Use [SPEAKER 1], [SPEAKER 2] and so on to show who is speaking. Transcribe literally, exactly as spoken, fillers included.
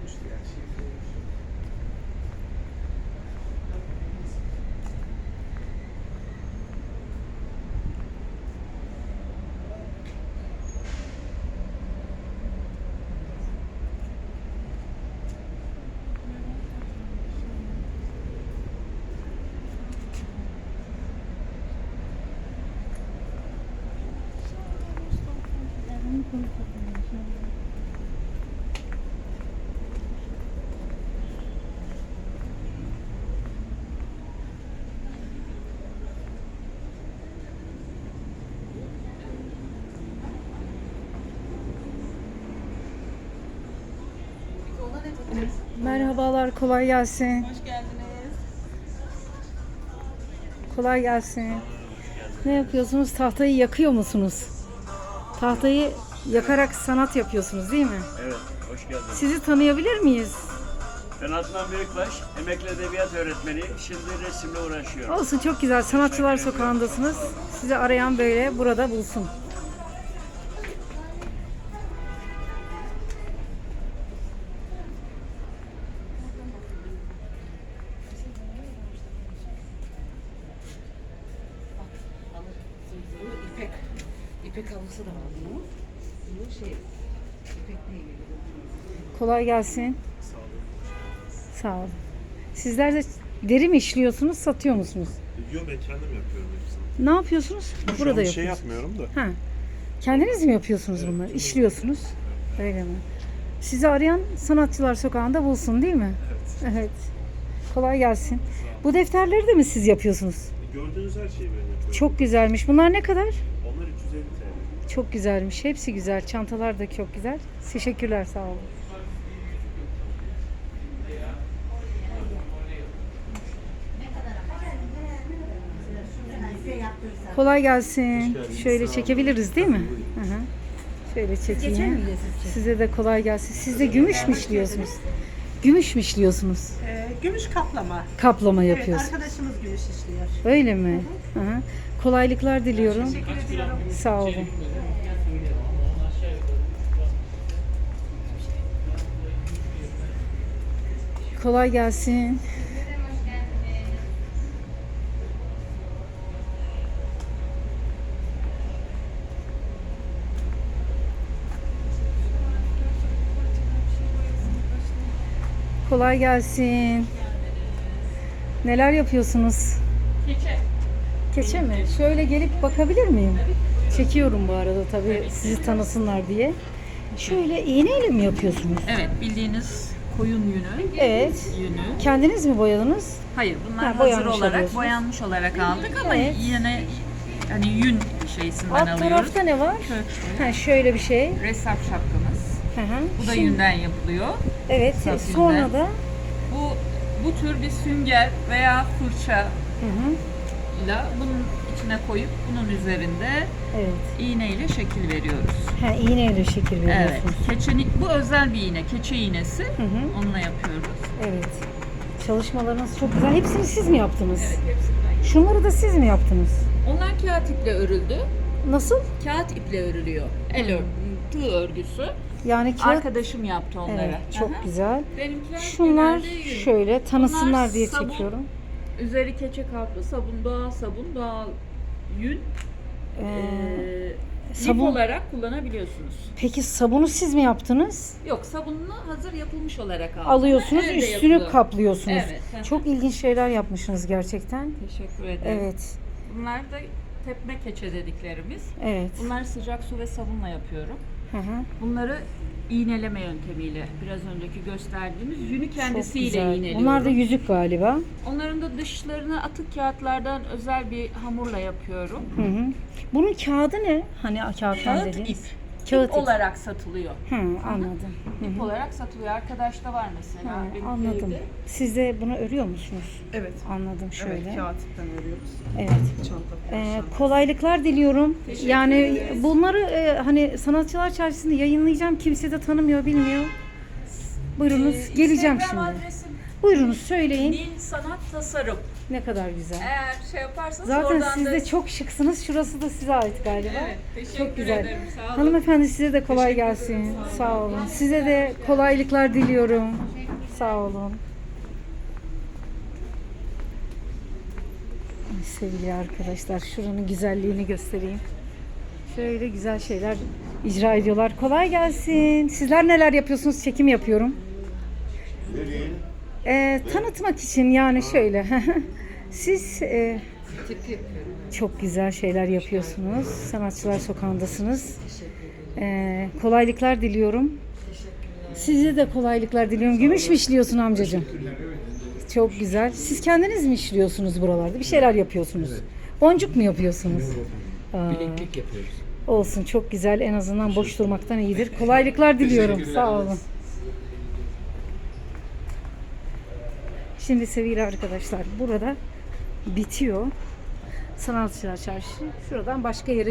[SPEAKER 1] olmuştu yani. Şekli olmuştu.
[SPEAKER 2] Merhabalar, kolay gelsin.
[SPEAKER 3] Hoş geldiniz.
[SPEAKER 2] Kolay gelsin. Ne yapıyorsunuz? Tahtayı yakıyor musunuz? Tahtayı yakarak sanat yapıyorsunuz değil mi?
[SPEAKER 4] Evet, hoş geldiniz.
[SPEAKER 2] Sizi tanıyabilir miyiz?
[SPEAKER 4] Ben Adnan Büyükbaş, emekli edebiyat öğretmeniyim. Şimdi resimle uğraşıyorum.
[SPEAKER 2] Olsun, çok güzel. Sanatçılar Sokağı'ndasınız. Sizi arayan böyle burada bulsun.
[SPEAKER 3] İpek. İpek halısı da var bunun. Bu şey, ipek değil.
[SPEAKER 2] Kolay gelsin. Sağ olun. Sizler de deri mi işliyorsunuz, satıyor musunuz?
[SPEAKER 5] Yo, ben kendim yapıyorum hepsini.
[SPEAKER 2] Ne yapıyorsunuz?
[SPEAKER 5] Şu
[SPEAKER 2] Burada
[SPEAKER 5] an bir
[SPEAKER 2] yapıyorsunuz.
[SPEAKER 5] şey yapmıyorum da.
[SPEAKER 2] Ha. Kendiniz mi yapıyorsunuz bunları? İşliyorsunuz. Öyle mi? Sizi arayan Sanatçılar Sokağı'nda bulsun değil mi?
[SPEAKER 5] Evet.
[SPEAKER 2] Evet. Kolay gelsin. Bu defterleri de mi siz yapıyorsunuz?
[SPEAKER 5] Gördüğünüz her şeyi ben yapıyorum.
[SPEAKER 2] Çok güzelmiş. Bunlar ne kadar?
[SPEAKER 5] Onlar üç yüz elli T L.
[SPEAKER 2] Çok güzelmiş. Hepsi güzel. Çantalar da çok güzel. Teşekkürler, sağ olun. Kolay gelsin. Şöyle çekebiliriz değil mi? Hı hı. Şöyle çekeyim. Size de kolay gelsin. Siz de gümüş mü işliyorsunuz? Gümüş mü işliyorsunuz?
[SPEAKER 6] Ee, gümüş kaplama.
[SPEAKER 2] Kaplama
[SPEAKER 6] Evet,
[SPEAKER 2] yapıyorsunuz.
[SPEAKER 6] arkadaşımız gümüş işliyor.
[SPEAKER 2] Öyle mi? Hı hı. Kolaylıklar diliyorum.
[SPEAKER 6] Teşekkür ediyorum.
[SPEAKER 2] Sağ olun. Kolay gelsin. Kolay gelsin. Neler yapıyorsunuz?
[SPEAKER 3] Keçe.
[SPEAKER 2] Keçe mi? Şöyle gelip bakabilir miyim? Çekiyorum bu arada tabii sizi tanısınlar diye. Şöyle iğneyle mi yapıyorsunuz?
[SPEAKER 3] Evet, bildiğiniz koyun yünü.
[SPEAKER 2] Evet.
[SPEAKER 3] Yünü.
[SPEAKER 2] Kendiniz mi boyadınız?
[SPEAKER 3] Hayır, bunlar
[SPEAKER 2] Ha,
[SPEAKER 3] hazır
[SPEAKER 2] boyanmış
[SPEAKER 3] olarak,
[SPEAKER 2] alıyorsunuz.
[SPEAKER 3] boyanmış olarak aldık ama
[SPEAKER 2] Evet.
[SPEAKER 3] yine hani yün şeysinden
[SPEAKER 2] Alt
[SPEAKER 3] alıyoruz.
[SPEAKER 2] tarafta ne var?
[SPEAKER 3] Köşkü.
[SPEAKER 2] Ha, şöyle bir şey.
[SPEAKER 3] Resap şapkamız.
[SPEAKER 2] Hı hı.
[SPEAKER 3] Bu da
[SPEAKER 2] Şimdi-
[SPEAKER 3] yünden yapılıyor.
[SPEAKER 2] Evet.
[SPEAKER 3] Saf
[SPEAKER 2] Sonra
[SPEAKER 3] yünden.
[SPEAKER 2] da
[SPEAKER 3] Bu bu tür bir sünger veya fırça
[SPEAKER 2] hı hı.
[SPEAKER 3] ile bunun içine koyup bunun üzerinde
[SPEAKER 2] Evet.
[SPEAKER 3] iğneyle şekil veriyoruz.
[SPEAKER 2] Ha, iğneyle şekil
[SPEAKER 3] Evet.
[SPEAKER 2] veriyorsunuz.
[SPEAKER 3] Keçeni, bu özel bir iğne, keçe iğnesi.
[SPEAKER 2] Hı hı.
[SPEAKER 3] Onunla yapıyoruz.
[SPEAKER 2] Evet. Çalışmalarınız çok güzel. Hepsini siz mi yaptınız?
[SPEAKER 3] Evet, hepsinden.
[SPEAKER 2] Şunları da siz mi yaptınız?
[SPEAKER 3] Onlar kağıt iple örüldü.
[SPEAKER 2] Nasıl?
[SPEAKER 3] Kağıt iple örülüyor. El ör, tığ örgüsü.
[SPEAKER 2] Yani kağıt.
[SPEAKER 3] Arkadaşım yaptı onları.
[SPEAKER 2] Evet, çok
[SPEAKER 3] Aha.
[SPEAKER 2] güzel.
[SPEAKER 3] Benimkiler
[SPEAKER 2] Şunlar
[SPEAKER 3] genelde yün.
[SPEAKER 2] şöyle tanısınlar
[SPEAKER 3] Bunlar
[SPEAKER 2] diye
[SPEAKER 3] sabun.
[SPEAKER 2] çekiyorum.
[SPEAKER 3] Üzeri keçe kaplı sabun, doğal sabun, doğal yün.
[SPEAKER 2] Ee,
[SPEAKER 3] Ee,
[SPEAKER 2] sabun-
[SPEAKER 3] lif olarak kullanabiliyorsunuz.
[SPEAKER 2] Peki sabunu siz mi yaptınız?
[SPEAKER 3] Yok, sabununu hazır yapılmış olarak aldım.
[SPEAKER 2] Alıyorsunuz,
[SPEAKER 3] Elde
[SPEAKER 2] üstünü
[SPEAKER 3] yapılıyor.
[SPEAKER 2] kaplıyorsunuz.
[SPEAKER 3] Evet, hı hı.
[SPEAKER 2] Çok ilginç şeyler yapmışsınız gerçekten.
[SPEAKER 3] Teşekkür ederim.
[SPEAKER 2] Evet.
[SPEAKER 3] Bunlar da tepme keçe dediklerimiz.
[SPEAKER 2] Evet.
[SPEAKER 3] Bunlar sıcak su ve sabunla yapıyorum.
[SPEAKER 2] Hı hı.
[SPEAKER 3] Bunları iğneleme yöntemiyle biraz önceki gösterdiğimiz yünü
[SPEAKER 2] Çok
[SPEAKER 3] kendisiyle
[SPEAKER 2] güzel.
[SPEAKER 3] iğneliyorum.
[SPEAKER 2] Bunlar da yüzük galiba.
[SPEAKER 3] Onların da dışlarını atık kağıtlardan özel bir hamurla yapıyorum.
[SPEAKER 2] Hı hı. Bunun kağıdı ne? Hani kağıttan
[SPEAKER 3] Kağıt
[SPEAKER 2] dediğiniz.
[SPEAKER 3] ip.
[SPEAKER 2] Kağıt
[SPEAKER 3] ip
[SPEAKER 2] ip.
[SPEAKER 3] olarak satılıyor.
[SPEAKER 2] Hı, anladım. Hı
[SPEAKER 3] İp
[SPEAKER 2] hı.
[SPEAKER 3] olarak satılıyor. Arkadaşta var mesela.
[SPEAKER 2] Ha,
[SPEAKER 3] benim
[SPEAKER 2] anladım.
[SPEAKER 3] evde.
[SPEAKER 2] Siz de bunu örüyor musunuz?
[SPEAKER 6] Evet.
[SPEAKER 2] Anladım şöyle.
[SPEAKER 6] Evet, kağıttan örüyoruz.
[SPEAKER 2] Evet.
[SPEAKER 6] Çanta.
[SPEAKER 2] Ee, kolaylıklar diliyorum.
[SPEAKER 3] Teşekkür
[SPEAKER 2] Yani
[SPEAKER 3] ederiz.
[SPEAKER 2] bunları e, hani Sanatçılar Çarşısı'nda yayınlayacağım. Kimse de tanımıyor, bilmiyor. Buyurunuz.
[SPEAKER 3] Ee,
[SPEAKER 2] Geleceğim
[SPEAKER 3] Instagram
[SPEAKER 2] şimdi.
[SPEAKER 3] adresim
[SPEAKER 2] Buyurunuz söyleyin.
[SPEAKER 1] Nil Sanat Tasarım.
[SPEAKER 2] Ne kadar güzel.
[SPEAKER 1] Eğer şey yaparsanız
[SPEAKER 2] Zaten
[SPEAKER 1] oradan
[SPEAKER 2] siz
[SPEAKER 1] da...
[SPEAKER 2] de çok şıksınız. Şurası da size ait galiba.
[SPEAKER 1] Evet, teşekkür
[SPEAKER 2] Çok güzel.
[SPEAKER 1] ederim. Sağ olun.
[SPEAKER 2] Hanımefendi size de kolay
[SPEAKER 1] Teşekkür
[SPEAKER 2] gelsin.
[SPEAKER 1] ederim, sağ
[SPEAKER 2] Sağ olun. Size de kolaylıklar diliyorum. Sağ olun. Ay, sevgili arkadaşlar, şuranın güzelliğini göstereyim. Şöyle güzel şeyler icra ediyorlar. Kolay gelsin. Sizler neler yapıyorsunuz? Çekim yapıyorum. Ee, tanıtmak için yani şöyle. Siz e, çok güzel şeyler yapıyorsunuz. Sanatçılar Sokağı'ndasınız. Ee, kolaylıklar diliyorum. Size de kolaylıklar diliyorum. Gümüş mü işliyorsun amcacığım? Çok güzel. Siz kendiniz mi işliyorsunuz buralarda? Bir şeyler yapıyorsunuz. Boncuk mu yapıyorsunuz? Aa,
[SPEAKER 7] Bileklik yapıyoruz.
[SPEAKER 2] olsun, çok güzel. En azından boş durmaktan iyidir. Kolaylıklar diliyorum. Sağ olun. Şimdi sevgili arkadaşlar, burada bitiyor Sanatçılar Çarşı. Şuradan başka yere